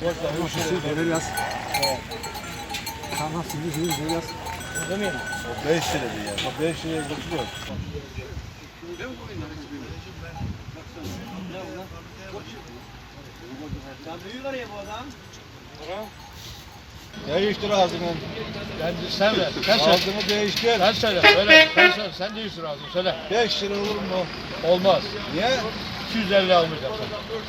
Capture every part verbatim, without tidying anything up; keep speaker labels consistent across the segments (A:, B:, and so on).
A: Nasıl böyle yaz. Tamam şimdi böyle yaz.
B: Değil mi?
C: O beş liraydı ya. O beş liraya götürüyor.
B: Sen büyü var ya bu adam.
C: Değiştir ağzını.
D: Ben, sen ver. Sen söyle.
C: Ağzını değiştir.
D: Sen söyle. Söyle. Sen söyle. Sen değilsin ağzını. Söyle.
C: beş lira olur mu?
D: Olmaz.
C: Niye?
D: iki yüz elli almayacaksın.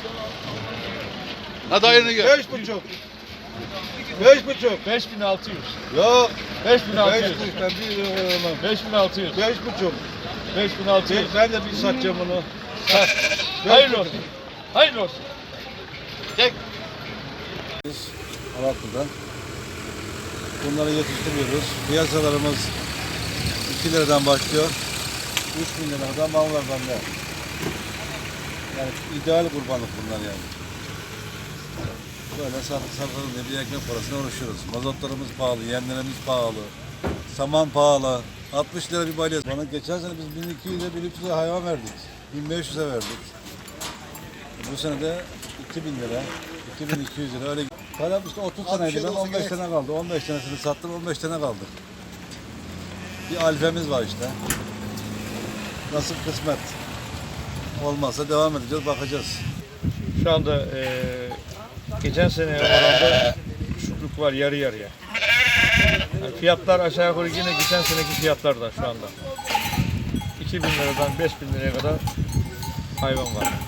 E: Hadi hayırını gör.
C: Beş buçuk. Beş buçuk.
D: beş bin altı yüz.
C: Yok.
D: beş bin altı
C: Beş
D: yüz.
C: buçuk. Ben bir lira veremem.
D: beş bin altı yüz.
C: Beş buçuk.
D: beş bin altı yüz.
C: Ben de bir satacağım onu.
D: Hayırlı olsun. Hayırlı olsun.
E: Çek.
C: Alatlı'dan. Bunları yetiştiriyoruz. Piyasalarımız iki liradan başlıyor. üç bin liradan mal var bende. Yani ideal kurbanlık bunlar yani. Böyle satıp satalım diye bir ekmek parasına uğraşıyoruz. Mazotlarımız pahalı, yemlerimiz pahalı, saman pahalı. altmış lira bir balya. Bana geçen sene biz bin iki yüze bin üç yüze hayvan verdik. bin beş yüze verdik. Bu sene de iki bin lira, iki bin iki yüz lira öyle. Param işte otuz taneydi, ben on beş tane kaldı. on beş tanesini sattım, on beş tane kaldı. Bir alfemiz var işte. Nasıl kısmet. Olmazsa devam edeceğiz, bakacağız.
D: Şu anda eee geçen sene oranında düşüklük var yarı yarıya. Yani fiyatlar aşağı yukarı yine geçen seneki fiyatlarda şu anda. iki bin liradan beş bin liraya kadar hayvan var.